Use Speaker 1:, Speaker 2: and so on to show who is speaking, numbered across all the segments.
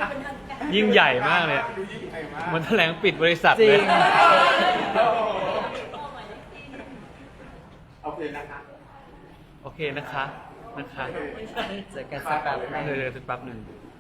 Speaker 1: ยิ่งใหญ่มากเลยมันแถลงปิดบริษัทเลย
Speaker 2: โอเคนะคะ
Speaker 1: โอเคนะคะ
Speaker 3: เจอกันสักแป๊บนึง
Speaker 1: เดี๋ยวสักแป๊บหนึ่ง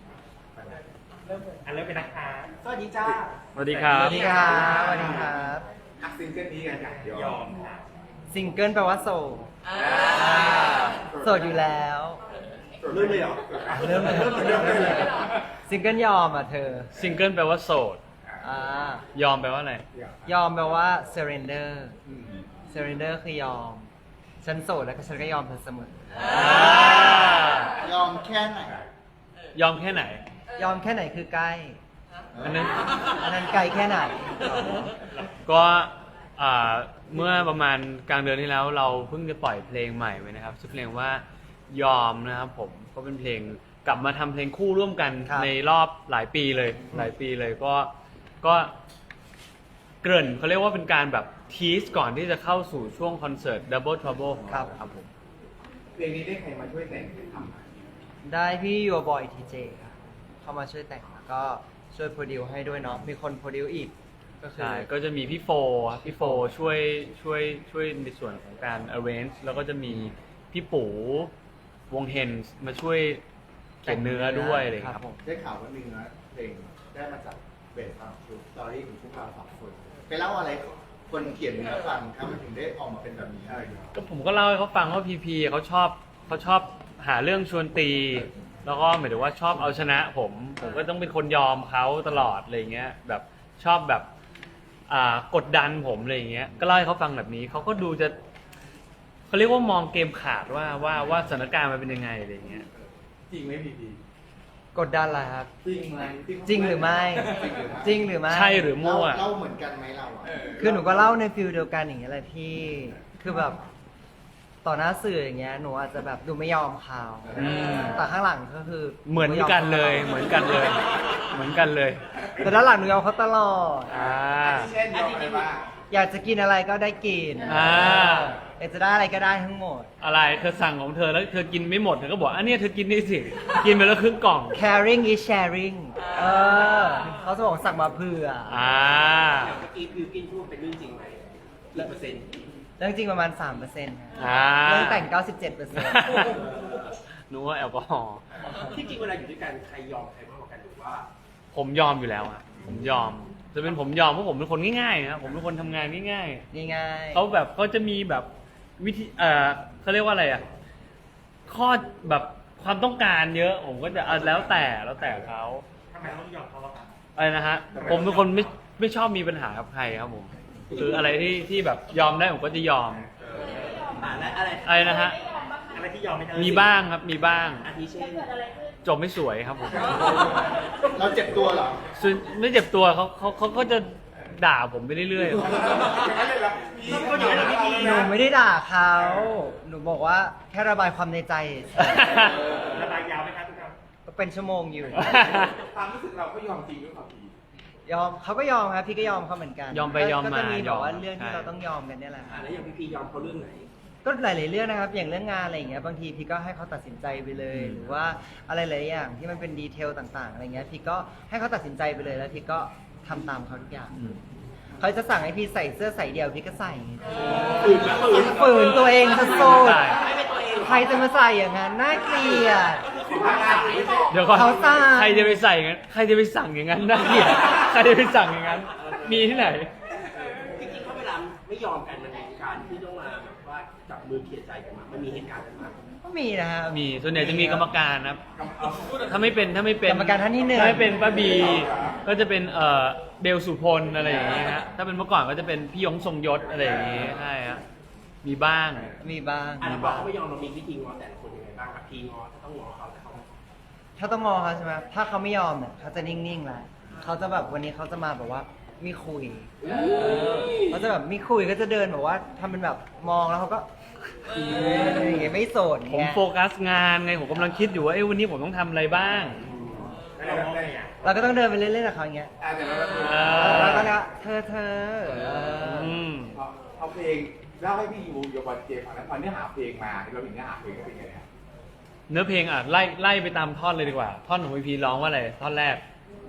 Speaker 2: อันเริ่มเป็นนะคะสวัสดีจ้า
Speaker 1: สวัสดีครับ
Speaker 3: สวัสดีครับสวัสดีครับ
Speaker 2: อักซิงเกิลนี้กันอย่างยอมค่ะ
Speaker 3: ซิงเกิลแปลว่าโสดโสดอยู่แล้ว
Speaker 2: เริ่มเลยเหรอ
Speaker 3: เริ่มเลย ซิงเกิลยอมอ่ะเธอ
Speaker 1: ซิงเกิลแปลว่าโสด
Speaker 3: อ่าย
Speaker 1: อมแปลว่าอะไร
Speaker 3: ยอมแปลว่า surrender surrender คือยอม ฉันโสดแล้วก็ฉันก็ยอมเธอเสมอ
Speaker 2: ยอมแค่ไหน
Speaker 1: ยอมแค่ไหน
Speaker 3: ยอมแค่ไหนคือใกล้
Speaker 1: อันนั้น
Speaker 3: อันนั้นไกลแค่ไหน
Speaker 1: ก็เมื่อประมาณกลางเดือนที่แล้วเราเพิ่งจะปล่อยเพลงใหม่ไว้นะครับชื่อเพลงว่ายอมนะครับผมก็เป็นเพลงกลับมาทำเพลงคู่ร่วมกัน
Speaker 3: ครับ
Speaker 1: ในรอบหลายปีเลยก็เกริ่นเขาเรียกว่าเป็นการแบบทีสก่อนที่จะเข้าสู่ช่วงคอนเสิร์ต Double Trouble ของเราครับผม
Speaker 2: เพลงนี้ได้ใครมาช่วยแต่งหรือทำ
Speaker 3: ได้พี่ Your Boy TJ ครับเข้ามาช่วยแต่งแล้วก็ช่วยโปรดิวให้ด้วยเนาะมีคนโปรดิวอีกก็คือ
Speaker 1: ใช่ก็จะมีพี่โฟครับพี่โฟช่วยในส่วนของการ arrange แล้วก็จะมีพี่ปู่วงเฮนส์มาช่วยเขียนเนื้อด้วยอะไรอย่างเลยครับ
Speaker 3: ผม
Speaker 2: ได้ข่าวว่าเนื้อเพลงได้มาจากเบสความสตอรี่ของพวกเราสองคนไปเล่าอะไรคนเขียนเนื้อฟังครับมันถึงได้ออกมาเป็นแบบนี้อะไรอย่างเงี้ย
Speaker 1: ก็ผมก็เล่าให้เขาฟังว่าพีพีเขาชอบหาเรื่องชวนตี แล้วก็หมายถึงว่าชอบเอาชนะผมก็ต้องเป็นคนยอมเขาตลอดอะไรเงี้ยแบบชอบแบบกดดันผมอะไรเงี้ยก็เล่าให้เขาฟังแบบนี้เขาก็ดูจะเขาเรียกว่ามองเกมขาดว่าสถานการณ์มันเป็นยังไงอะไรเงี้ย
Speaker 2: จริงไหมพี่พี
Speaker 3: กดดันอะไรครับ
Speaker 2: จริงไหม
Speaker 3: จริงหรือไม่ จริงหรือไม่
Speaker 1: ใช่หรือมั่ว
Speaker 2: เล่าเหมือนกันไหมเราอ่ะ
Speaker 3: คือหนูก็เล่าในฟิลเดียวกันอย่างเงี้ยแหละพี่ คือแบบต่อหน้าสื่ออย่างเงี้ยหนูอาจจะแบบดูไม่ยอมเขา
Speaker 1: อืม
Speaker 3: แต่ข้างหลังก็คือ
Speaker 1: เหมือนกันเลยเหมือนกันเลยเหมือนกันเลย
Speaker 3: แต่ด้านหลังหนูยอมเขาตลอด
Speaker 2: เช่นยอมอะไรบ้าง
Speaker 3: อยากจะกินอะไรก็ได้กิน อยากจะได้อะไรก็ได้ทั้งหมด
Speaker 1: อะไรเธอสั่งของเธอแล้วเธอกินไม่หมดเธอก็บอกอันนี้เธอกินนี่สิกินไปแล้วครึ่งกล่อง
Speaker 3: caring is sharing เขาจะบอกสั่งมาเผื่อ
Speaker 4: เมื่อกี้บิวกินพูดเป็นเรื่องจริงไหมกี่เปอร์เซ็นต์
Speaker 3: เรื่องจริงประมาณ 3%เรื่องแต่ง 97%
Speaker 1: นึกว่าแอลกอฮอล์
Speaker 4: ที่จริงเวลาอยู่ด้วยกันใครยอมใครมากกว่ากันหรือว่า
Speaker 1: ผมยอมอยู่แล้วอะผมยอมจะเป็นผมยอมเพราะผมเป็นคนง่ายๆนะครับผมเป็นคนทำงานง่าย
Speaker 3: ง่าย
Speaker 1: ๆเขาแบบเขาจะมีแบบวิธีเขาเรียกว่าอะไรอะข้อแบบความต้องการเยอะผมก็จะแล้วแต่เขา
Speaker 4: ทำไมต้องยอมเขาอะครับ
Speaker 1: อะไรนะฮะผมเป็นคนไม่ชอบมีปัญหากับใครครับผมคืออะไรที่แบบยอมได้ผมก็จะยอม
Speaker 4: อะไร
Speaker 1: อะไรนะฮะ
Speaker 4: อะไรที่ยอมไม่ได้
Speaker 1: มีบ้างครับมีบ้าง
Speaker 4: อาทิเช่น
Speaker 1: จบไม่สวยครับผม
Speaker 2: เราเจ็บตัวเหรอ
Speaker 1: ส่วนไม่เจ็บตัวเขาก็จะด่าผมไปเรื่อย
Speaker 4: ก็อยู่ในพิธี
Speaker 3: ๆ หนูไม่ได้ด่าเขา หนูบอกว่าแค่ระบายความในใจ
Speaker 4: ระบายยาวไหมครับทุกท่าน
Speaker 3: ก็เป็นชั่วโมงอยู่
Speaker 2: ความรู้สึกเราก็ยอมจริงหรือเปล่าพี่
Speaker 3: ยอมเขาก็ยอมครับพี่ก็ยอมเขาเหมือนกัน
Speaker 1: ยอมไปยอม
Speaker 3: ก็
Speaker 1: มา
Speaker 3: จะมีแบบว่า
Speaker 1: ยอม
Speaker 3: เรื่องที่
Speaker 1: ใช่
Speaker 3: เราต้องยอมกันเนี่ยแหละครับ
Speaker 4: แล้วอย่างพี่ยอมเขาเรื่องไหน
Speaker 3: ก็หลายๆเรื่องนะครับ อย่างเรื่องงานอะไรอย่างเงี้ย บางทีพี่ก็ให้เขาตัดสินใจไปเลย หรือว่าอะไรหลายอย่างที่มันเป็นดีเทลต่าง ๆ อะไรเงี้ย พี่ก็ให้เขาตัดสินใจไปเลย แล้วพี่ก็ทำตามเขาทุกอย่าง
Speaker 1: อืม
Speaker 3: เขาจะสั่งให้พี่ใส่เสื้อใส่เดี่ยวพี่ก็ใส่
Speaker 4: ฝืน
Speaker 3: ฝืนตัวเองจะโซ่
Speaker 1: ใช่
Speaker 4: ไม่เป็นตัวเอง
Speaker 3: ใครจะมาใส่อย่างนั้นน่าเกลียด
Speaker 1: เดี๋ยวก่อน
Speaker 3: เขาสั่ง
Speaker 1: ใครจะไปใส่อย่างนั้นใครจะไปสั่งอย่างนั้นได้เนี่ยใครจะไปสั่งอย่างนั้น มีที่ไหน
Speaker 4: จริงๆเขาเวลาไม่ยอมกันมันมีการที่ต้องมาแบบว่าจับมือเคลียร์ใจกันมามันมีเหตุการณ์นั้นมา
Speaker 3: ก็มีนะครับ
Speaker 1: มีส่วนใหญ่จะมีกรรมการนะครับ ถ้าไม่เป็น
Speaker 3: กรรมการท่านที่หนึ่ง
Speaker 1: ถ้าไม่เป็นป้าบีก็จะเป็นเบลสุพลอะไรอย่างเงี้ยฮะถ้าเป็นเมื่อก่อนก็จะเป็นพี่ยงทรงยศอะไรอย่างเงี้ยใช่ฮะมีบ้าง
Speaker 3: มีบ้าง
Speaker 4: อ่ะแล้วพอเขาไม่ยอมเรามีวิธีง้อแต่ละคนยังไงบ้างครับพี่ง้อถ้าต้องง้อเขาแต่เขา
Speaker 3: ถ้าต้องงอเขาใช่ไหมถ้าเขาไม่ยอมเนี่ยเขาจะนิ่งๆแหละเขาจะแบบวันนี้เขาจะมาแบบว่าไม่คุยเขาจะแบบไม่คุยก็จะเดินแบบว่าทำเป็นแบบมองแล้วเขาก็อย่างเงี้ยไม่โสด
Speaker 1: ผม
Speaker 3: เงี้ย
Speaker 1: โฟกัสงานไงผมกำลังคิดอยู่ว่าวันนี้ผมต้องทำอะไรบ้าง
Speaker 2: แล้วเราได้ไง
Speaker 3: เราก็ต้องเดินไปเรื่อยๆกับเขาอย่างเงี้ย
Speaker 2: แต่เราก็
Speaker 3: แล้วก็เนี่ยเธอ
Speaker 1: อืม
Speaker 2: เอาเพลงเล่าให้พี่ยูโยบอลเจฟังแล้วพอเนื้อหาเพลงมาเราถึงเนื้อหาเพลงก็เป็นไงเนี่ย
Speaker 1: เนื้อเพลงไล่ไปตามท่อนเลยดีกว่า ท่อนของพีพีร้องว่าอะไรท่อนแรก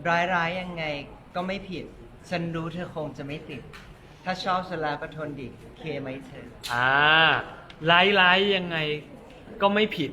Speaker 3: ร้ายยังไงก็ไม่ผิด ฉันรู้เธอคงจะไม่ติด ถ้าชอบฉันแล้วก็ทนดิเคไหมเธอ
Speaker 1: ร้ายยังไงก็ไม่ผิด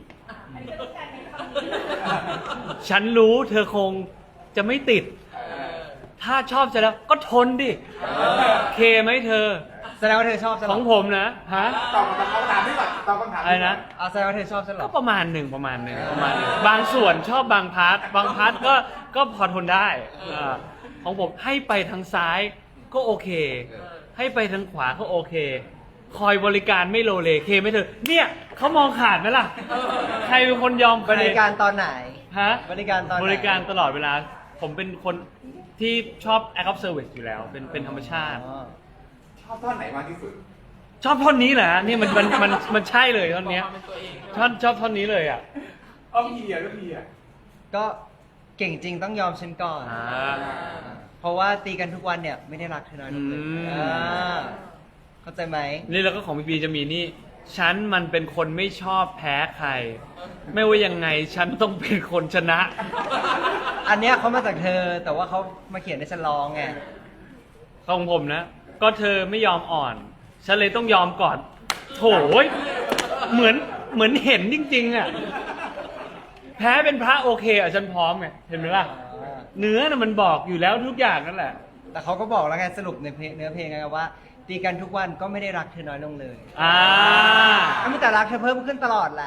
Speaker 1: ฉันรู้เธอคงจะไม่ติด ถ้าชอบจะแล้วก็ทนดิ เคไหมเธอ
Speaker 3: แสดงว่าเธอชอบฉัน
Speaker 1: ข
Speaker 3: เหร
Speaker 1: องผมนะ ฮะ
Speaker 2: ตอบคำถามนี้ก่อนตอบคำถาม
Speaker 1: อะไรนะ
Speaker 3: เอาแสดงว่าเธอชอบฉันเหร
Speaker 1: ก็
Speaker 3: อ
Speaker 1: ประมาณหนึ่งบางส่วนชอบบางพาร์ทก็พอทนได้ของผมให้ไปทางซ้ายก็โอเค ให้ไปทางขวาก็โอเค คอยบริการไม่โลเลเคไหม่เธอ เนี่ยเขามองขาดไหมล่ะ ใครเป็นคนยอมใค
Speaker 3: บริการตอนไหน
Speaker 1: ฮะ
Speaker 3: บริการตอนไหน
Speaker 1: บริการตลอดเวลา ผมเป็นคนที่ชอบ act of service อยู่แล้ว เป็นธรรมชาติ
Speaker 3: อ๋อ
Speaker 2: ชอบท่อนไหนมากที่สุด
Speaker 1: ชอบท่อนนี้แหละนี่มันใช่เลยท่อนเนี้ยชอบท่อนนี้เลยอ่ะ
Speaker 2: พี่อ่ะแล้วพี่อ่ะ
Speaker 3: ก็เก่งจริงต้องยอมฉันก่อน เพราะว่าตีกันทุกวันเนี่ยไม่ได้รักเธอน้อยลงเลย
Speaker 1: อืม
Speaker 3: เข้าใจไหม
Speaker 1: นี่แล้วก็ของพีพีจะมีนี่ ฉันมันเป็นคนไม่ชอบแพ้ใคร ไม่ว่ายังไงฉันต้องเป็นคนชนะ
Speaker 3: อันเนี้ยเขามาจากเธอ แต่ว่าเขามาเขียนในฉันร้องไง
Speaker 1: ของผมนะ ก็เธอไม่ยอมอ่อน ฉันเลยต้องยอมก่อน โถยเหมือนเห็นจริงๆอ่ะ แพ้เป็นพระโอเคอ่ะฉันพร้อมไงเห็นไหมล่ะ เนื้อน่ะมันบอกอยู่แล้วทุกอย่างนั่นแหละ
Speaker 3: แต่เขาก็บอกแล้วไงสรุปในเนื้อเพลงไงว่า ตีกันทุกวันก็ไม่ได้รักเธอน้อยลงเลย
Speaker 1: อ่า
Speaker 3: ก็มีแต่รักเธอเพิ่มขึ้นตลอดแหละ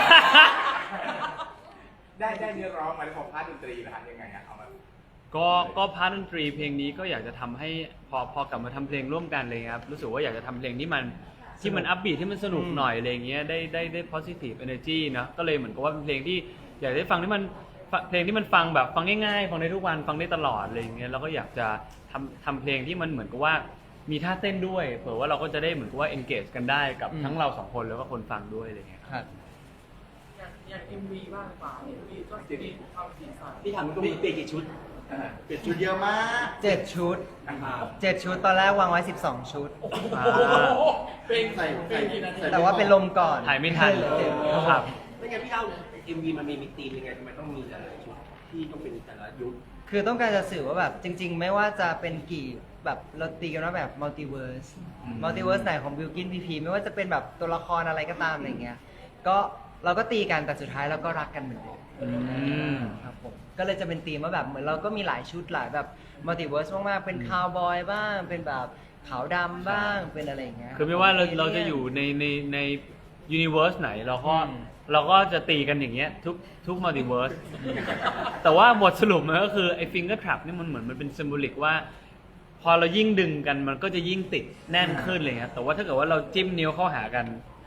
Speaker 2: ได้เนื้อร้องมาแล้วของพาร์ทดนตรีนะฮะยังไงฮะเอามา
Speaker 1: ก็พาร์ทดนตรีเพลงนี้ก็อยากจะทำให้พอกลับมาทำเพลงร่วมกันเลยครับรู้สึกว่าอยากจะทำเพลงที่มันอัพบีทที่มันสนุกหน่อยอะไรเงี้ยได้ positive energy นะก็เลยเหมือนกับว่าเป็นเพลงที่อยากได้ฟังที่มันเพลงที่มันฟังแบบฟังง่ายๆฟังได้ทุกวันฟังได้ตลอดอะไรเงี้ยแล้วก็อยากจะทำเพลงที่มันเหมือนกับว่ามีท่าเต้นด้วยเผื่อว่าเราก็จะได้เหมือนกับว่า engage กันได้กับทั้งเราสองคนแล้วก็คนฟังด้วยอะไรเงี้ย
Speaker 3: ครับ
Speaker 5: อย่าง MV บ้างป่ะ MV ก็มีความสีสัน
Speaker 4: พี่ถามตรงนี้เปลี่ยนกี่ชุด
Speaker 2: เปลี่ยนชุดเยอะมาก
Speaker 3: 7 ชุด 7 ชุดตอนแรกวางไว้ 12 ชุด
Speaker 5: เป็นเป็นกี่นาที
Speaker 3: แต่ว่าเป็นลมก่อน
Speaker 1: ถ่ายไม่ทัน
Speaker 3: เหลือเจ็ด
Speaker 1: ครับ
Speaker 4: ไม่งั้นพี่เล่า MV มันมีธีมยังไงทำไมต้องมีแต่ละชุดที่ต้องเป็นแต่ละยุค
Speaker 3: คือต้องการจะสื่อว่าแบบจริง ๆ ไม่ว่าจะเป็นกี่แบบเราตีกันว่าแบบมัลติเวิร์สไหนของบิลกินพีพีไม่ว่าจะเป็นแบบตัวละครอะไรก็ตามอะไรเงี้ยก็เราก็ตีกันแต่สุดท้ายเราก็รักกันเหมือนเดิม
Speaker 1: ม
Speaker 3: ครับผมก็เลยจะเป็นธีมว่าแบบเหมือนเราก็มีหลายชุดหลายแบบมัลติเวิร์สมากๆเป็นคาวบอยบ้างเป็นแบบขาวดำบ้างเป็นอะไรอย่างเงี้ย
Speaker 1: คือไม่ว่าเราจะอยู่ในยูนิเวอร์สไหนเราก็จะตีกันอย่างเงี้ยทุกมัลติเวิร์สแต่ว่าบทสรุปมันก็คือไอ้ฟิงเกอร์ทรัพนี่มันเหมือนมันเป็นซิมโบลิกว่า พอเรายิ่งดึงกันมันก็จะยิ่งติดแน่นขึ้นเลยครับแต่ว่าถ้าเกิดว่าเราจิ้มนิ้วเข้าหากัน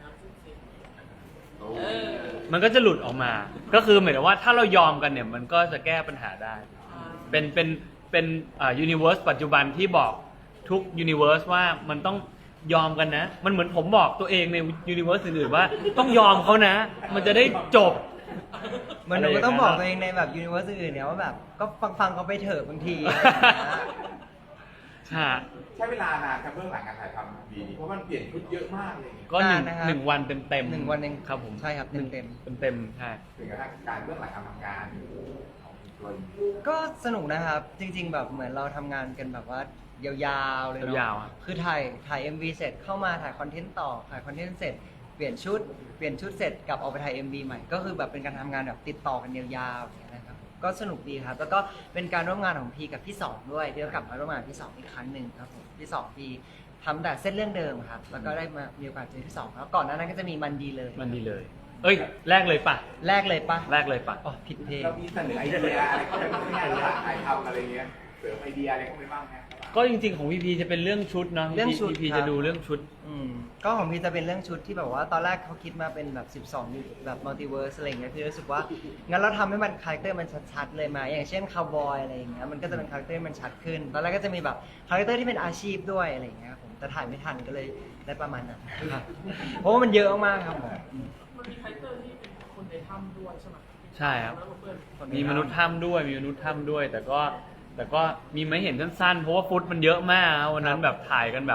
Speaker 1: มันก็จะหลุดออกมา ก็คือหมายถึงว่าถ้าเรายอมกันเนี่ยมันก็จะแก้ปัญหาได้ เป็นยูนิเวอร์สปัจจุบันที่บอกทุกยูนิเวอร์สว่ามันต้องยอมกันนะ มันเหมือนผมบอกตัวเองในยูนิเวอร์สอื่นๆว่าต้องยอมเขานะ มันจะได้จบ
Speaker 3: เหมันหนูก็ต้องบอกตัวเองในแบบยูนิเวอร์สอื่นเนี่ยว่าแบบก็ฟังเขาไปเถอะบางที
Speaker 1: ใช่
Speaker 2: ใช้เวลานานครับเบื้องหลังการถ่ายทำดีเพราะมันเปลี่ยนชุดเยอะมากเลย
Speaker 1: ก็หนึ่ง
Speaker 3: นานนะครับ
Speaker 1: หนึ่งวันเต็มๆ
Speaker 3: หนึ่งวันเอง
Speaker 1: ครับผม
Speaker 3: ใช่ครับเต็ม
Speaker 1: เต็มใช่
Speaker 2: ถึงกระทั่งการเบื้องหลังการทำงานของตัวเอง
Speaker 3: ก็สนุกนะครับ จริง ๆ แบบเหมือนเราทำงานกันแบบว่ายาวๆเลยเนาะ
Speaker 1: ยาวๆครับ
Speaker 3: คือถ่าย MV เสร็จเข้ามาถ่ายคอนเทนต์ต่อถ่ายคอนเทนต์เสร็จเปลี่ยนชุดเสร็จกลับออกไปถ่าย MV ใหม่ก็คือแบบเป็นการทำงานแบบติดต่อกันยาวๆอย่างเงี้ยนะครับก็สนุกดีครับแล้วก็เป็นการร่วมงานของพีกับพี่สองด้วยที่เรากลับมาร่วมงานกับพี่สองอีกครั้งหนึ่งครับผมพี่สองพีทำแต่เส้นเรื่องเดิมครับแล้วก็ได้มามีโอกาสเจอพี่สองแล้วก่อนหน้านั้นก็จะมีมันดีเลย
Speaker 1: มันดีเลย เอ้ยแรกเลยปะ
Speaker 3: แรกเลยปะ
Speaker 1: แรกเลยปะ
Speaker 3: อ๋อผิดเพลง
Speaker 2: เรามีเสนอไอเดียอะไรเข้าไปบ้างไหมระหว่างถ่ายทำอะไรเงี้ยเสริมไอเดียอะไรเข้าไปบ้างไหม
Speaker 1: ก็จริงๆของพีพีจะเป็นเรื่องชุดเนาะ
Speaker 3: เรื่องชุด
Speaker 1: พีพี
Speaker 3: ครับ
Speaker 1: จะดูเรื่องชุด
Speaker 3: ก็ของพี่จะเป็นเรื่องชุดที่แบบว่าตอนแรกเขาคิดมาเป็นแบบ12อยู่แบบมัลติเวิร์สอะไรอย่างเงี้ยพี่รู้สึกว่างั้นเราทำให้มันคาแรคเตอร์มันชัดๆเลยมาอย่างเช่นคาวบอยอะไรอย่างเงี้ยมันก็จะเป็นคาแรคเตอร์มันชัดขึ้นตอนแรกก็จะมีแบบคาแรคเตอร์ที่เป็นอาชีพด้วยอะไรอย่างเงี้ยครับผมแต่ถ่ายไม่ทันก็เลยได้ประมาณนั้นครับเพราะว่ามันเยอะมากครับผม
Speaker 5: มันมีไทเตอร์ที่เป็นคนในถ้ำด้วยใช่ไหม
Speaker 1: ใช่ครับ
Speaker 5: แล้วก็เพื่อน
Speaker 1: มีมนุษย์ถ้ำด้วยมีมนุษย์ถ้ำด้วย แต่ก็มีไม่เห็นสั้นๆเพราะว่าฟุตมันเยอะมากวันนั้นแบบถ่ายกันแบบ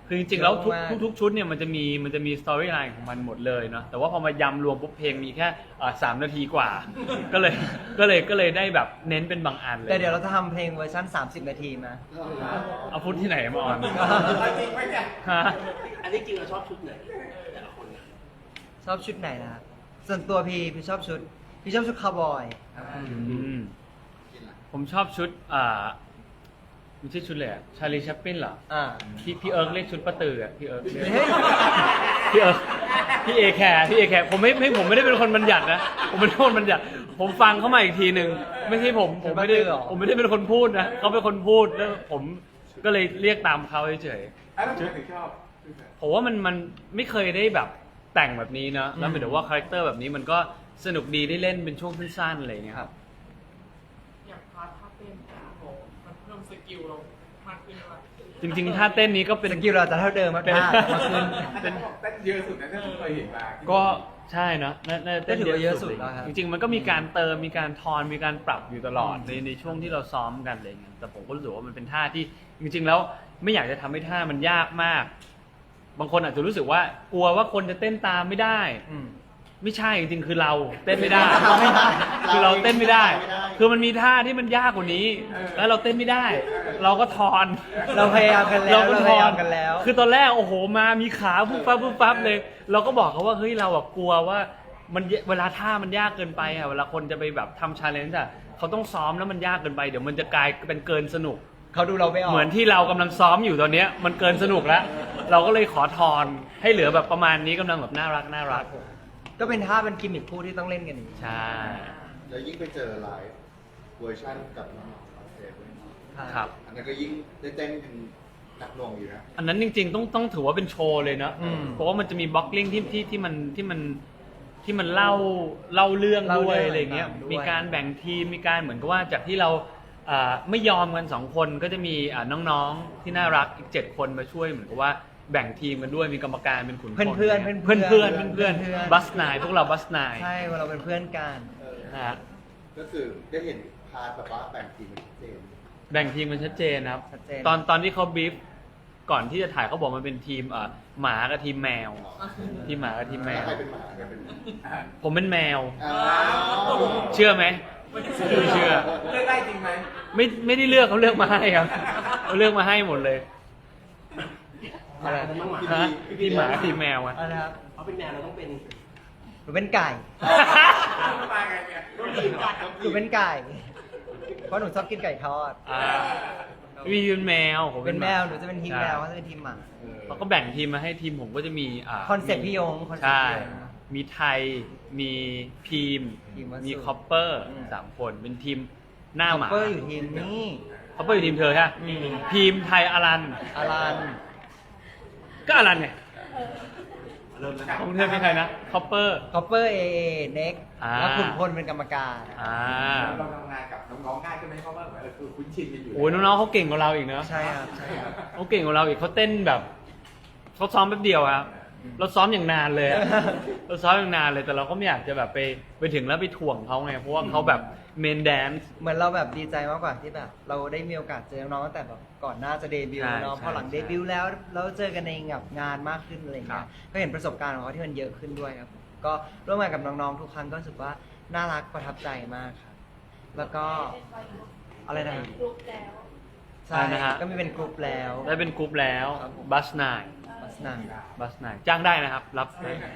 Speaker 1: คือจริงๆแล้ว
Speaker 3: เยอะมาก
Speaker 1: ทุกชุดเนี่ยมันจะมีสตอรี่ไลน์ของมันหมดเลยเนาะแต่ว่าพอมายำรวมปุ๊บเพลงมีแค่3 นาทีกว่า ก็เลยได้แบบเน้นเป็นบางอันเลย
Speaker 3: แต่เดี๋ยวเราจะทำเพลงเวอร์ชัน30 นาทีมา
Speaker 1: เอาพุทธที่ไหนมาออน
Speaker 4: จริงไหมเนี่ย
Speaker 1: ฮะ
Speaker 4: อันนี้จริงเราชอบชุดไหนแต่ละคนเนี่ย
Speaker 3: ชอบชุดไหนนะครับส่วนตัวพี่ชอบชุดคาวบอย
Speaker 1: อืมผมชอบชุดไม่ใช่ชุดเลยอะชาลีแชปปินเหรอ
Speaker 3: อ่า
Speaker 1: พี่เอิร์กเรียกชุดป้าตืออะพี่เอิร์กเรียก
Speaker 3: เฮ้ย
Speaker 1: พี่เอิร์กพี่เอแคร์ผมไม่ได้เป็นคนบัญญัตินะผมไม่ได้เป็นคนบัญญัติผมฟังเข้ามาอีกทีหนึ่งไม่ใช่ผมไม่ได้เป็นคนพูดนะเขาเป็นคนพูดแล้วผมก็เลยเรียกตามเขาเฉย
Speaker 2: แล้วทำไมถึงชอบ
Speaker 1: ๆผมว่ามันไม่เคยได้แบบแต่งแบบนี้นะแล้วหมายถึงว่าคาแรคเตอร์แบบนี้มันก็สนุกดีได้เล่นเป็นช่วงสั้นๆอะไรอย่างเงี้ย
Speaker 3: ครับ
Speaker 5: อย่างพาร์ทท่าเต้นโอ้โหมันเพิ่มสกิลเรามากขึ้นว่า
Speaker 1: จริงๆท่าเต้นนี้ก็เป็น
Speaker 3: สกิลเราจะเท่าเดิมมาก
Speaker 1: เป็น
Speaker 3: ๆมาขึ้น
Speaker 2: เต้นเยอะสุดนะที่เคยเห็นมา
Speaker 1: ก็ใช่เนอะน่า
Speaker 3: ก็ถือว่าเยอะสุดแล้วครับ
Speaker 1: จริงๆมันก็มีการเติมมีการทอนมีการปรับอยู่ตลอดในช่วงที่เราซ้อมกันอะไรอย่างเงี้ยแต่ผมก็รู้สึกว่ามันเป็นท่าที่จริงๆแล้วไม่อยากจะทำให้ท่ามันยากมาก บางคนอาจจะรู้สึกว่ากลัวว่าคนจะเต้นตามไม่ได้
Speaker 3: อืม
Speaker 1: ไม่ใช่จริงๆคือเราเต้นไม่ได้
Speaker 3: เราไม่ได้
Speaker 1: คือเราเต้นไม่ได้ คือมันมีท่าที่มันยากกว่านี้ แล้วเราเต้นไม่ได้ เราก็ทอน
Speaker 3: เราพยายามกันแล้ว
Speaker 1: เราก็
Speaker 3: เรา
Speaker 1: ท
Speaker 3: พ
Speaker 1: อย
Speaker 3: ายาน มกันแล้ว
Speaker 1: คือตอนแรกโอ้โหมามีขาปุ๊บปั๊บเลย เราก็บอกเขาว่าเฮ้ยเราแบบกลัวว่ามันเวลาท่ามันยากเกินไปอะเวลาคนจะไปแบบทำชาเลนจ์อะเขาต้องซ้อมแล้วมันยากเกินไปเดี๋ยวมันจะกลายเป็นเกินสนุก
Speaker 3: เขาดูเราไม่ออก
Speaker 1: เหมือนที่เรากำลังซ้อมอยู่ตอนเนี้ยมันเกินสนุกแล้ว เราก็เลยขอทอนให้เหลือแบบประมาณนี้กำลังแบบน่ารัก
Speaker 3: ก็เป็นท่าเป็นกิมมิคคู่ที่ต้องเล่นกันอย่างนี้
Speaker 1: ใช่
Speaker 2: แล้วยิ่งไปเจอไลฟ์เวอร์ชันกับน้องๆคอนเสิร์ตด้วย
Speaker 1: ครับ
Speaker 2: อันนั้นก็ยิ่งได้เต้นกันหนักหน่วงอยู่นะ
Speaker 1: อันนั้นจริงๆต้องถือว่าเป็นโชว์เลยเนาะ
Speaker 3: อืม
Speaker 1: เพราะว่ามันจะมีบล็อกกิ้งที่มันเล่าเรื่องด้วยอะไรเงี้ย
Speaker 3: ด้วย
Speaker 1: มีการแบ่งทีมมีการเหมือนกับว่าจากที่เราไม่ยอมกัน2 คนก็จะมีน้องๆที่น่ารักอีก7 คนมาช่วยเหมือนกับว่าแบ่งทีมกันด้วยมีกรรมการเป็นขุนพล
Speaker 3: เพื่อนๆ
Speaker 1: เพื่อนบัสนายพวกเราบัสนาย
Speaker 3: ใช่ว่าเราเป็นเพื่อนกัน
Speaker 1: นะฮะ
Speaker 2: ก็คือได้เห็นพาร์ทแบบว่าแบ่งทีมเป็นชัดเจน
Speaker 1: แบ่งทีมมันชัดเจนนะครับ
Speaker 3: ชัดเจน
Speaker 1: ตอนที่เขาบีฟก่อนที่จะถ่ายเขาบอกมันเป็นทีมหมากับทีมแมว ทีมหมากับทีมแม
Speaker 2: แล้ว
Speaker 1: ว
Speaker 2: ใครเป็นหมาใครเป็น
Speaker 1: ผมเป็นแมว
Speaker 2: อ้าว
Speaker 1: เชื่อไหมไม่เชื่อ
Speaker 2: เลือกได้จริงไหม
Speaker 1: ไม่ได้เลือกเขาเลือกมาให้ครับเขาเลือกมาให้หมดเลย
Speaker 3: อะไร
Speaker 4: มันต้องหมา
Speaker 1: ฮะทีมหมาทีมแมวอะ
Speaker 3: อะไรครับ
Speaker 4: เขาเป็นแมวเราต้องเป็น
Speaker 3: หนูเป็นไก่
Speaker 2: มาไงเนี่ย
Speaker 3: หนูเป็นไก่ เพราะหนูชอบกินไก่ทอด
Speaker 1: อ่ามีเป็นแมวผม
Speaker 3: เป็นแมว
Speaker 1: หา
Speaker 3: หนูจะเป็นทีมแมวเขาจะเป็นทีมหมา
Speaker 1: เขาก็แบ่งทีมมาให้ทีมผมก็จะมี
Speaker 3: คอนเซ็ปต์พี่ยงคอนเซ็ปต์
Speaker 1: ใช่
Speaker 3: พี่ยง
Speaker 1: มีไทยมีพีม
Speaker 3: พีมวัสสุ
Speaker 1: มีคอปเปอร์
Speaker 3: อืม
Speaker 1: 3 คนเป็นทีมหน้าหมา
Speaker 3: เปอร์อยู่ทีมนี่
Speaker 1: คอปเปอร์อยู่ทีมเธอใช่ไหมพีมไทยอารัน
Speaker 3: อารัน
Speaker 1: ก็อารันไง
Speaker 2: เริ่มแล้ว
Speaker 1: ของเธอเป็นใครนะคอปเปอร์
Speaker 3: คอปเปอร์เอเน็ก
Speaker 1: อ่า
Speaker 3: แล้วขุนพลเป็นกรรมการ
Speaker 2: เราทำงานกับน้องๆง่ายขึ้นไหมเพราะว่าคือคุ้นชินกันอยู่
Speaker 1: โอ้ยน้องๆเขาเก่งกว่าเราอีกเนอะ
Speaker 3: ใช่ครับใช่ครับ
Speaker 1: เขาเก่งกว่าเราอีกเขาเต้นแบบเขาซ้อมแป๊บเดียวครับเราซ้อมอย่างนานเลยอะ เราซ้อมอย่างนานเลยแต่เราก็ไม่อยากจะแบบไปถึงแล้วไปถ่วงเขาไงเพราะว่าเขาแบบเมนแดนซ์
Speaker 3: เหมือนเราแบบดีใจมากกว่าที่แบบ เราได้มีโอกาสเจอน้องๆตั้งแต่แบบก่อนหน้าจะเดบิว
Speaker 1: ใช่
Speaker 3: ต์เนาะ
Speaker 1: ใช่
Speaker 3: พอหลัง
Speaker 1: ใช่
Speaker 3: เดบิวต์แล้วเราเจอกันในแบบงานมากขึ้นอะไร
Speaker 1: ครั
Speaker 3: เงี้
Speaker 1: บ
Speaker 3: ยก็เห็นประสบการณ์ของเขาที่มันเยอะขึ้นด้วยครับก็ร่วมงานกับน้องๆทุกครั้งก็รู้สึกว่าน่ารักประทับใจมากครับแล้วก็อะไรนะ
Speaker 6: กรุ๊ปแล้ว
Speaker 3: ใช่ก็มีเป็นกลุ่มแล้ว
Speaker 1: ได้เป็นกรุ๊ปแล้วบัสนาย
Speaker 3: ลักษณะ
Speaker 1: บัสนายจ้างได้นะครับ รับ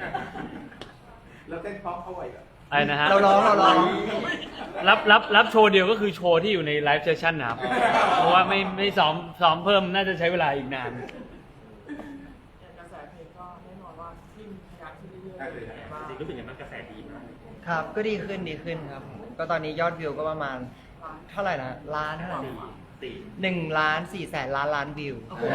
Speaker 2: แล้วเต้นพร้อมเขาไหวเหรอ
Speaker 1: อะไรนะฮะ
Speaker 3: เราร้อง
Speaker 1: รับโชว์เดียวก็คือโชว์ที่อยู่ในไลฟ์เซสชั่นนะครับ เพราะว่าไม่ซ้อมเพิ่มน่าจะใช้เวลาอีกนาน
Speaker 5: อย่างกระแสเพลงก็แน่นอนว่าขึ้นขยับขึ้นเรื่อยๆแต่ว่า
Speaker 4: จริงรู้สึกยังไงบ้างกระแสดีมาก
Speaker 3: ครับก็ดีขึ้นครับ ก็ตอนนี้ยอดวิวก็ประมาณเท่าไหร่นะล้านเท่าไหร่นะ 1,400,000,000,000 วิว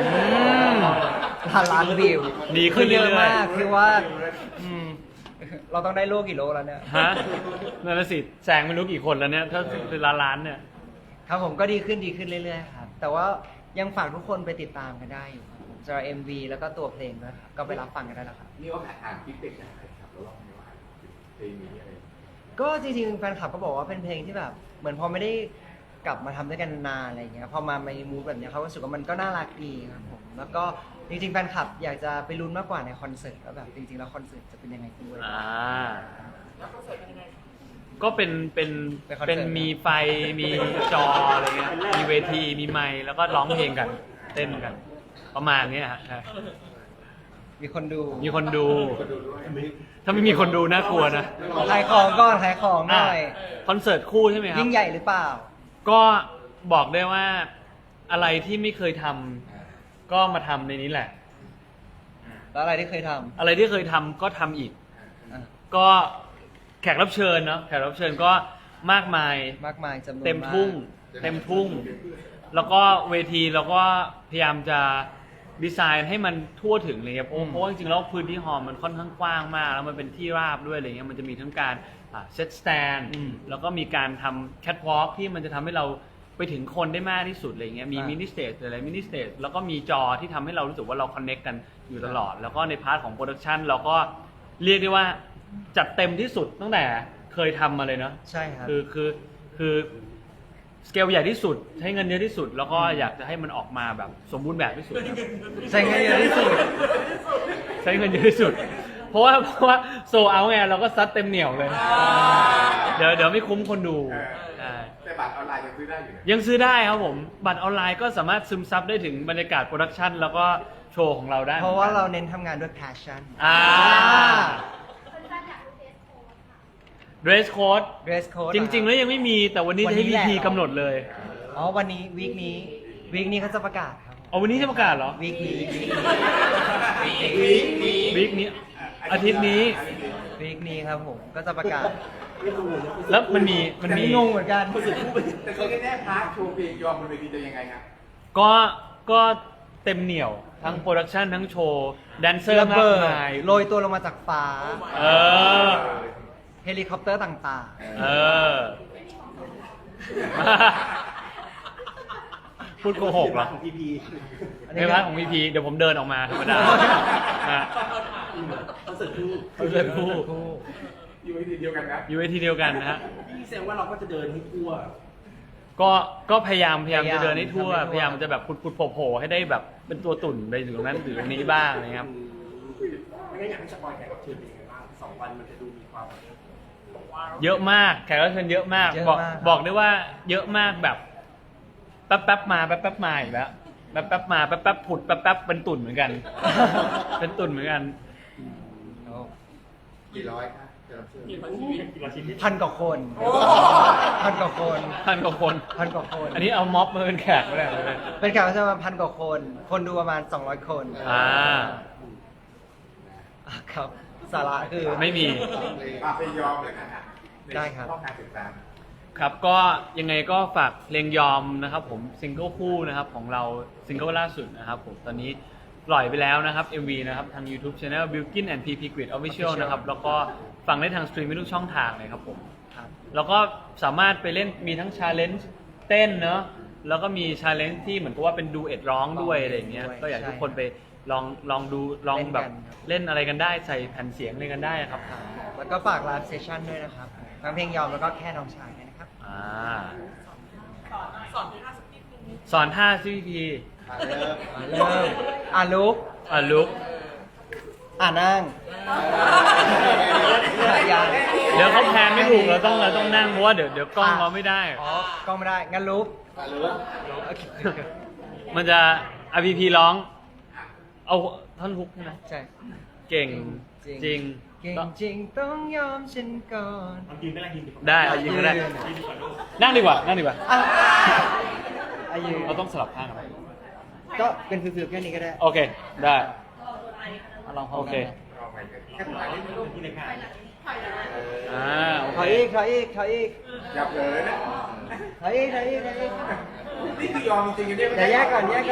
Speaker 3: ล้านวิว
Speaker 1: ดีขึ้น
Speaker 3: เยอะ
Speaker 1: เรื่อยๆ
Speaker 3: มากคือว่าเราต้องได้โลกี่โลแล้วเนี่ย
Speaker 1: ฮะนั่นนะสิแซงไม่รู้กี่คนแล้วเนี่ย ถ้าเป็นล้านเนี่ย
Speaker 3: ครับผมก็ดีขึ้นเรื่อยๆครับ แต่ว่ายังฝากทุกคนไปติดตามกันได้อยู่ครับผมสำหรับ MV แล้วก็ตัวเพลงด้วยครับก็ไปรับฟังกันได้แล้วครับ
Speaker 2: นี่ว่าอ่านฟีดแบ็กจากใครครับแล้วเราไม่ว่าเพลงนี้อะไร
Speaker 3: ก็จริงๆแฟนคลับก็บอกว่าเป็นเพลงที่แบบ เหมือนพอไม่ได้กลับมาทำด้วยกันนานๆอะไรอย่างเงี้ยพอมาในมูดแบบเนี้ยเขารู้สึกว่ามันก็น่ารักดีครับผมแล้วก็จริงๆแฟนคลับอยากจะไปลุ้นมากกว่าในคอนเสิร์ตว่าแบบจริงๆแล้วคอนเสิร์ตจะเป็นยังไงด้วย
Speaker 5: แล้วคอนเสิร์ตเป็นยังไง
Speaker 1: ก็เป็น
Speaker 3: เป็นคอนเสิร์ต
Speaker 1: เป็นมีไฟมีจออะไรเงี้ยมีเวทีมีไมค์แล้วก็ร้องเพลงกันเต้นกัน ประมาณเนี้ยฮะใช่
Speaker 3: มีคนดู
Speaker 1: มีคนดู ถ้าไม่มีคนดูน่ากลัวนะ
Speaker 3: ขายของก่อนขายของหน่อย
Speaker 1: คอนเสิร์ตคู่ใช่ไหมครับ
Speaker 3: ยิ่งใหญ่หรือเปล่า
Speaker 1: ก็บอกได้ว่าอะไรที่ไม่เคยทำก็มาทำในนี้แหละ
Speaker 3: แล้วอะไรที่เคยท
Speaker 1: อะไรที่เคยทำก็ทำอีก
Speaker 3: ำอ่ะ
Speaker 1: ก็แขกรับเชิญเนาะแขกรับเชิญก็มากมาย
Speaker 3: มากมายจำนวน
Speaker 1: เต็มทุ่ง
Speaker 3: าก
Speaker 1: เต็มทุ่ง แล้วก็เวทีเราก็พยายามจะดีไซน์ให้มันทั่วถึงเลยครับเพราะว่าจริงๆแล้วพื้นที่ฮอลล์มันค่อนข้างกว้างมากแล้วมันเป็นที่ราบด้วยอะไรเงี้ยมันจะมีทั้งการเซตสแตนแล้วก็มีการทำแคทวอล์กที่มันจะทำให้เราไปถึงคนได้มากที่สุดอะไรเงี้ยมีมินิสเตจอะไรมินิสเตจแล้วก็มีจอที่ทำให้เรารู้สึกว่าเราคอนเน c กกันอยู่ตลอด แล้วก็ในพาร์ทของโปรดักชันเราก็เรียกได้ว่าจัดเต็มที่สุดตั้งแต่เคยทำมาเลยเนาะ
Speaker 3: ใช่ครับ
Speaker 1: คือสเกลใหญ่ที่สุดใช้เงินเยอะที่สุด แล้วก็อยากจะให้มันออกมาแบบสมบูรณ์แบบที่สุดครับ
Speaker 3: ใช้เงินเยอะที่สุด
Speaker 1: ใช้เงินเยอะที่สุด เพราะว่าโซเอาไงเราก็ซัดเต็มเหนียวเลย เดี๋ยวไม่คุ้มคนดูใช่
Speaker 2: แต่บัตรออนไลน์ยังซื้อได้อยู่นะ
Speaker 1: ยังซื้อได้ครับผม บัตรออนไลน์ก็สามารถซึมซับได้ถึงบรรยากาศโปรดักชันแล้วก็โชว์ของเราได้
Speaker 3: เพราะว่าเราเน้นทำงานด้วย passion
Speaker 1: dress code
Speaker 3: dress code
Speaker 1: จริง ๆ แล้วยังไม่มีแต่วันนี้จะให้ VP กำหนดเลย
Speaker 3: อ๋อวันนี้วีคนี้เขาจะประกาศครับ
Speaker 1: เอาวันนี้จะประกาศเหรอ
Speaker 3: วีคนี้
Speaker 1: วีคนี้อาทิตย์นี้
Speaker 3: วีคนี้ครับผมก็จะประกาศ
Speaker 1: แล้วมันมี
Speaker 3: งงเหมือนกัน
Speaker 2: แต่เขาแน่ๆพาร์ทโชว์เพลงยอมบนเวทีจะยังไงครับ
Speaker 1: ก็เต็มเหนียวทั้งโปรดักชันทั้งโชว์แดนเซอร์
Speaker 3: ระ
Speaker 1: มา
Speaker 3: เบิ
Speaker 1: ก
Speaker 3: ด
Speaker 1: มาย
Speaker 3: โรยตัวลงมาจากฟ้า
Speaker 1: เออ
Speaker 3: เฮลิคอปเตอร์ต่าง
Speaker 1: เออ พูดโกหกเหรอ
Speaker 4: ของพีพี
Speaker 3: ๆ
Speaker 1: ในพาร์ทของ VP เดี๋ยวผมเดินออกมาธรรมดาฮะ
Speaker 4: คอนเสิร์ตคู่
Speaker 1: เขาเดินคู่
Speaker 2: อยู่เวทีเดียวกันนะ
Speaker 1: อยู่เวทีเดียวกันนะฮะ
Speaker 4: พี่แสดงว่าเราก็จะเดินให้ทั่ว
Speaker 1: ก็พยายามจะเดินให้ทั่ว
Speaker 3: ทำให้ทั่ว
Speaker 1: พยายามจะแบบพุดๆโผล่ๆให้ได้แบบเป็นตัวตุ่นไปถึงตรงนั้นถึงตรงนี้บ้างนะครับ
Speaker 4: ไม่งั้นอยากให้สปอยแขกรับเชิญเป็นยังไงบ้าง2 วันมันจะดูมีความ
Speaker 1: เยอะมากแขกรับเชิญเยอะมาก
Speaker 3: เยอะ
Speaker 1: บอก
Speaker 3: มาก
Speaker 1: บอกได้ว่าเยอะมากแบบแป๊บๆมาแป๊บๆมาอีกแล้วแป๊บๆมาแป๊บๆผุดแป๊บๆเป็นตุ่นเหมือนกัน เป็นตุ่นเหมือนกัน
Speaker 2: กี่ร้อยครับจะรับเชิญ
Speaker 5: กี่พันชีวิต
Speaker 3: พันกว่าคน พันกว่าคน
Speaker 1: พันกว่าคน
Speaker 3: พันกว่าคน
Speaker 1: อันนี้เอาม็อบมาเป็นแขกไม่ได้เลย
Speaker 3: เป็นแขกรับเชิญมาพันกว่าคน คนดูประมาณ 200 คน
Speaker 1: อ่า
Speaker 3: ครับ สาระคือ
Speaker 1: ไม่มี
Speaker 2: เพลงยอมเลยครับ
Speaker 3: ได้ครับ
Speaker 2: ช่องทางติดตาม
Speaker 1: ครับก็ยังไงก็ฝากเพลงยอมนะครับผมซิงเกิลคู่นะครับของเราซิงเกิลล่าสุดนะครับผมตอนนี้ปล่อยไปแล้วนะครับ MV นะครับทาง YouTube Channel Bilkin and PP Grid Official นะครับแล้วก็ฟังได้ทางสตรีมมิ่งทุกช่องทางเลยครับผม
Speaker 3: ครับ
Speaker 1: แล้วก็สามารถไปเล่นมีทั้งชาเลนจ์เต้นเนอะแล้วก็มีชาเลนจ์ที่เหมือนกับว่าเป็นดูเอ็ดร้องด้วยอะไรอย่างเงี้ย
Speaker 3: ด้วย
Speaker 1: ก็อยากให้
Speaker 3: ใช่
Speaker 1: ทุกคนไปลองดูลองแบบ
Speaker 3: เล่นกันครับ
Speaker 1: เล่นอะไรกันได้ใส่แผ่นเสียงอะไรกันได้ครับ
Speaker 3: แล้วก็ฝากไลฟ์เซสชั่นด้วยนะครับทั้งเพลงยอมแล้วก็แค่น้องชายด้วยนะครับ
Speaker 1: อ่า
Speaker 5: สอนท่าสักนิดนึง
Speaker 1: สอนท่าซีพี
Speaker 2: เริ่ม
Speaker 3: เริ่มลุก
Speaker 1: ลุก
Speaker 3: นั่งยัง
Speaker 1: เดี๋ยวเขาแพนไม่ถูกเราต้องนั่งเพราะว่าเดี๋ยวกล้องเราไม่ได้
Speaker 3: อ๋อกล้องไม่ได้ งั้นลุก
Speaker 2: รู้
Speaker 3: โอเค
Speaker 1: มันจะ RPP ร้อง เอาท่อนฮุกใช่ไหม
Speaker 3: ใช่
Speaker 1: เก่งจริง
Speaker 3: เก่งจริงต้องยอมฉันก่อน
Speaker 1: ได้เอายิงก็ได้ นั่งดีกว่า นั่งดีกว่า
Speaker 3: อ่ะอายุ
Speaker 1: เราต้องสลับข้างกันไหม
Speaker 3: ก็เป็นฟิวๆแค่นี้ก็ได้
Speaker 1: โอเค ได้
Speaker 3: ลองพร้อ
Speaker 1: โอ
Speaker 3: ม
Speaker 1: เค
Speaker 3: กัน
Speaker 2: ลองไปกันแค่ถ่ายนิดนึงที่ในงาน
Speaker 1: โอ
Speaker 3: ขอ
Speaker 1: เค
Speaker 3: อีกขออีกขออีก
Speaker 2: ยับเลยนะ
Speaker 3: ขออีกขออีกขออีก
Speaker 2: นี่คือยอมจริงๆกันเนี่ย
Speaker 3: เดี๋ยวแยกก่อนแยก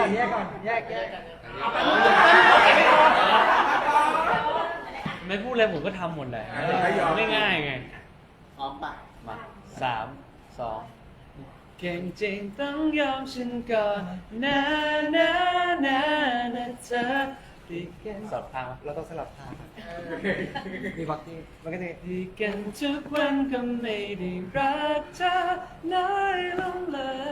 Speaker 1: ไม่พูดอะไรผมก็ทำหมดแหละง่ายๆไง
Speaker 2: พร้อมปะ
Speaker 1: มา3 2เก่งจริงต้องยอมฉันก่อนนะเธอดีกันสลับทางวะ
Speaker 3: เราต้องสลับทางมีบ็อกกิ้งมันก็จะ
Speaker 1: ดีกันทุกวันก็ไม่ได้รักเธอน้อยลงเลย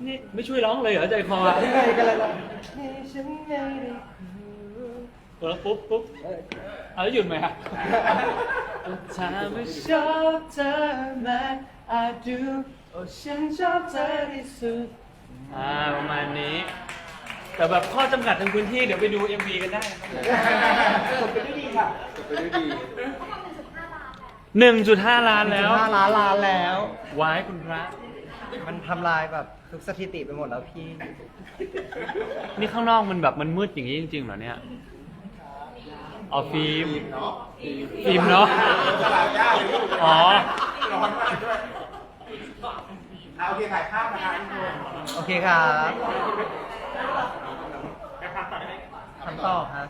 Speaker 1: ไม่ช่วยร้องเลยเหรอใจคอ
Speaker 3: ยังไงกันล่ะนี่ฉันไม่ได้
Speaker 1: แล้วปุ๊บเอาแล้วหยุดไหมครับถ้าไม่ชอบเธอมากอาจดูโอ้ฉันชอบเธอที่สุดประมาณนี้ แต่แบบข้อจำกัดทางพื้นที่เดี๋ยวไปดู MV กันได้
Speaker 4: จบไปด้วยดีค่ะ
Speaker 2: จบไปด้วยดี
Speaker 1: 1.5 ล้านแล้ว
Speaker 3: 5 ล้านแล้ว
Speaker 1: ไว้คุณพระ
Speaker 3: มันทำลายแบบทุกสถิติไปหมดแล้วพี่
Speaker 1: นี่ข้างนอกมันแบบมันมืดอย่างนี้จริงๆเหรอเนี่ยเอาฟิล์ม
Speaker 2: เนาะ
Speaker 1: ฟิล์มเนาะ อ๋อ
Speaker 4: ร้อนมากด้วยเอาโอเคถ่ายภาพนะคะทุกคน
Speaker 3: โอเคครับทำต่อครับ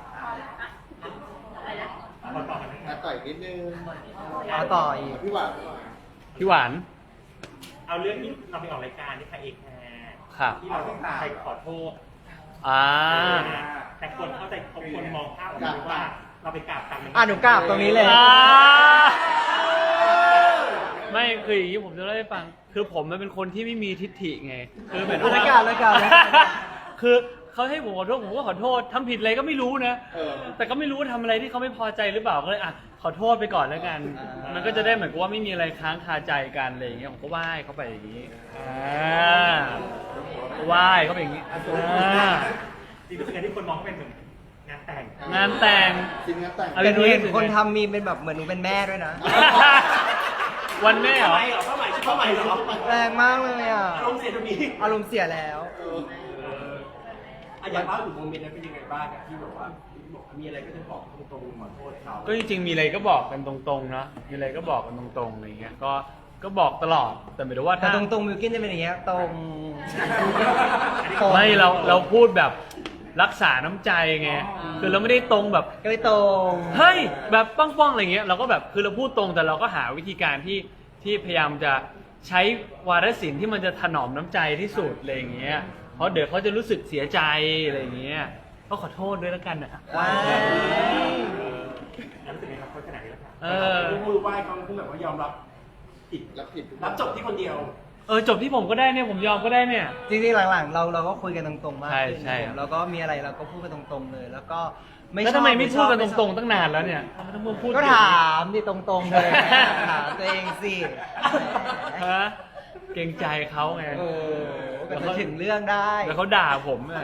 Speaker 2: ต่อยนิดนึง
Speaker 3: เอาต่ออีก
Speaker 2: พี่หวาน
Speaker 1: พี่หวาน
Speaker 6: เอาเรื่องที่เราไปออกรายการที่ใครเอกแคร์
Speaker 1: ครับ
Speaker 6: ที่เราใครขอโทษ แต่คนเข้าใจคนมองภาพแบบนี้ว่าเราไปกราบตังค์
Speaker 3: หนูกราบตรงนี้เลย
Speaker 1: ไม่คืออย่างนี้ผมจะเล่าให้ฟัง คือผมมันเป็นคนที่ไม่มีทิฐิไง คือเหมือน
Speaker 3: รายการ
Speaker 1: คือเขาให้ผมขอโทษผมก็ขอโทษทำผิดอะไรก็ไม่รู้นะ แต่ก็ไม่รู้ว่าทำอะไรที่เขาไม่พอใจหรือเปล่าก็เลยอ่ะขอโทษไปก่อนแล้วกัน มันก็จะได้เหมือนกับว่าไม่มีอะไรค้างคาใจกันอะไรอย่างเงี้ยผมก็ไหว้เขาไปอย่างนี้ไหว้เขาไปอย่างนี้
Speaker 6: จริงๆเป็นที่คนมองว่าเป็นเหมือนงานแต่ง
Speaker 1: งานแต่ง
Speaker 2: ชิ้นงานแต่ง
Speaker 1: เอา
Speaker 3: แต่หนูเห็น
Speaker 1: รู้สึกไง
Speaker 3: คนทำมีเป็นแบบเหมือนหนูเป็นแม่ด้วยนะ
Speaker 1: วันแม่เหรอ
Speaker 4: ไปเหรอเข้าใหม่ชื่อเข้าใหม่เหรอ
Speaker 3: แรงมากเลยอ่ะ
Speaker 4: อารมณ์เสียตรงนี้
Speaker 3: อารมณ์เสียแล้ว
Speaker 4: อย่างว่าถึงโมเมนต์นั้นเป็นยังไงบ้างอะที่แบบว่าบอกมีอะไรก็จะบอกตรงๆขอโทษเขา
Speaker 1: ก็จริงๆมีอะไรก็บอกกันตรงๆเนาะมีอะไรก็บอกกันตรงๆอะไรเงี้ยก็บอกตลอดแต่หมายถึงว่า
Speaker 3: แต่
Speaker 1: ถ้า
Speaker 3: ตรงๆมิวกินจะเป็นอย่างเงี้ยตรง
Speaker 1: ไม่เราพูดแบบรักษาน้ำใจไงคือเราไม่ได้ตรงแบบ
Speaker 3: ก็ไม่ตรง
Speaker 1: เฮ้ยแบบป้องๆอะไรเงี้ยเราก็แบบคือเราพูดตรงแต่เราก็หาวิธีการที่พยายามจะใช้วาทศิลป์ที่มันจะถนอมน้ำใจที่สุดอะไรอย่างเงี้ยเพราะเดี๋ยวเขาจะรู้สึกเสียใจอะไรอย่างเงี้ยก็ขอโทษด้วยแล้วกันนะ
Speaker 3: ว้าย
Speaker 6: แล้วรู้สึกไงครับคนขนาดนี้แล้วค่ะ
Speaker 1: เออ
Speaker 4: มือไหว้เขาคือแบบว่ายอมรับผิด
Speaker 2: รับผิดทุก
Speaker 4: รับจบที่คนเดียว
Speaker 1: จบที่ผมก็ได้เนี่ยผมยอมก็ได้เนี่ย
Speaker 3: จริงๆหลังๆเราก็คุยกันตรงๆมาก
Speaker 1: ใช่
Speaker 3: ขึ้น
Speaker 1: ใช่
Speaker 3: เราก็มีอะไรเราก็พูดกันตรงๆเลย แล้วก็ไม่
Speaker 1: แล้ว
Speaker 3: ชอบ
Speaker 1: ทำไมไม่พูดกัน
Speaker 3: ช
Speaker 1: ต
Speaker 3: อบ
Speaker 1: รงๆตั้งนานแล้วเนี่ยทำไมต้องมาพูด
Speaker 3: ก็ถามดิตรงๆเลยถามตัวเองสิ
Speaker 1: ฮะเกรงใจเขาไง
Speaker 3: ก็จะถึงเรื่องได้
Speaker 1: แล้วเขาด่าผมอ่ะ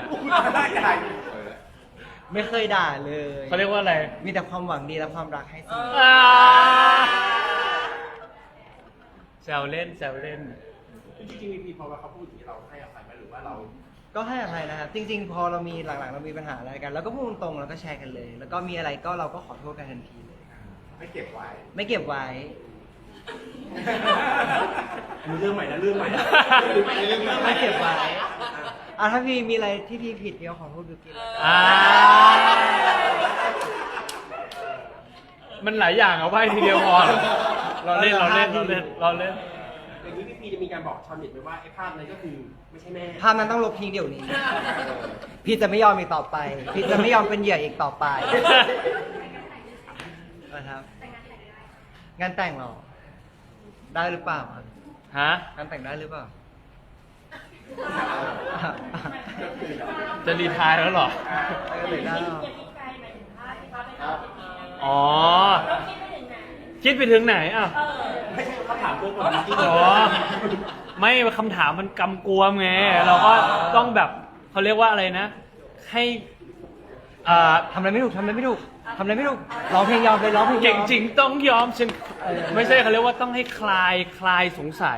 Speaker 3: ไม่เคยด่าเลย
Speaker 1: เขาเรียกว่าอะไร
Speaker 3: มีแต่ความหวังดีและความรักให้เสมอ
Speaker 1: แซวเล่นแซวเล่น
Speaker 4: จริงๆมีพอเขาพูดอย่างนี้เราให้อภัยไหมหรือว่าเรา
Speaker 3: ก็ให้อภัยนะครับ จริง ๆ พอเรามีหลังๆเรามีปัญหาอะไรกัน แล้วก็พูดตรงๆแล้วก็แชร์กันเลย แล้วก็มีอะไรก็เราก็ขอโทษกันทันทีเลย
Speaker 2: ไม่เก็บไว้
Speaker 3: ไม่เก็บไว้
Speaker 4: อันนี้เรื่องใหม่นะเรื่องใหม่นะ
Speaker 3: ไม่เก็บไว้ถ้าพี่มีอะไรที่พี่ผิดพี่ก็ขอโทษบิวกิ้น
Speaker 1: มันหลายอย่างเอาไว้ทีเดียวพอเราเล่น
Speaker 4: อย่างนี้พี่พีจะมีการบอกชาวเน็ตไหมว่าไอ้ภาพนั้นก็คือไม่ใช่แม่
Speaker 3: ภาพนั้นต้องลบทิ้งเดี๋ยวนี้ พี่จะไม่ยอมอีกต่อไป พี่จะไม่ยอมเป็นเหยื่ออีกต่อไปนะครับ งานแต่งเหรอ ได้หรือเปล่า
Speaker 1: ฮะ
Speaker 3: งานแต่งได้หรือเปล่า
Speaker 1: จะรีไทายแล้วเหรอ
Speaker 3: ได้ได้หรอ
Speaker 1: อ๋อ คิดไปถึงไหนอ่ะ
Speaker 4: ไม่ใช่เขาถามเรื่องก่อนจริง
Speaker 1: อ๋อ ไม่คำถามมันกำกวมไง เราก็ต้องแบบเขาเรียกว่าอะไรนะ ให้
Speaker 3: ทำอะไรไม่ถูกทำอะไรไม่ถูกทำอะไรไม่ถูกร้องเพลงยอมเลยร้องเพลงยอม
Speaker 1: เก่งจริงต้องยอมฉันไม่ใช่เขาเรียกว่าต้องให้คลายสงสัย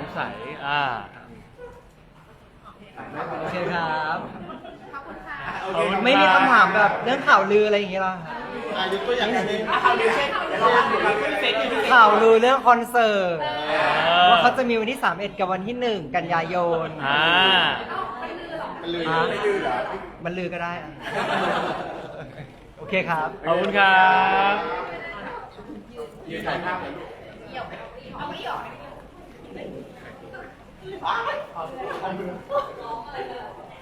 Speaker 3: โอเคครับ
Speaker 4: โอเค
Speaker 3: ไม่มีคำถามแบบเรื่องข่าวลืออะไรอย่างเงี้ยหรอ
Speaker 2: ยกตัวอย่างหนึ่ง
Speaker 4: ข่าวลือเช่นเดี๋ยวเราดูกันขึ้นเฟซอยู่ที่เฟซ
Speaker 3: ข่าวลือเรื่องคอนเสิร์ตว่าเขาจะมีวันที่ 31 กับวันที่ 1 กันยายน
Speaker 2: มันเลย
Speaker 3: อ่ะ
Speaker 2: ไม่ดื้อเหรอ
Speaker 3: มันลือก็ได้อ่ะโอเคครับ
Speaker 1: ขอบคุณครับ
Speaker 4: ยืนถ่ายภาพเลยลูก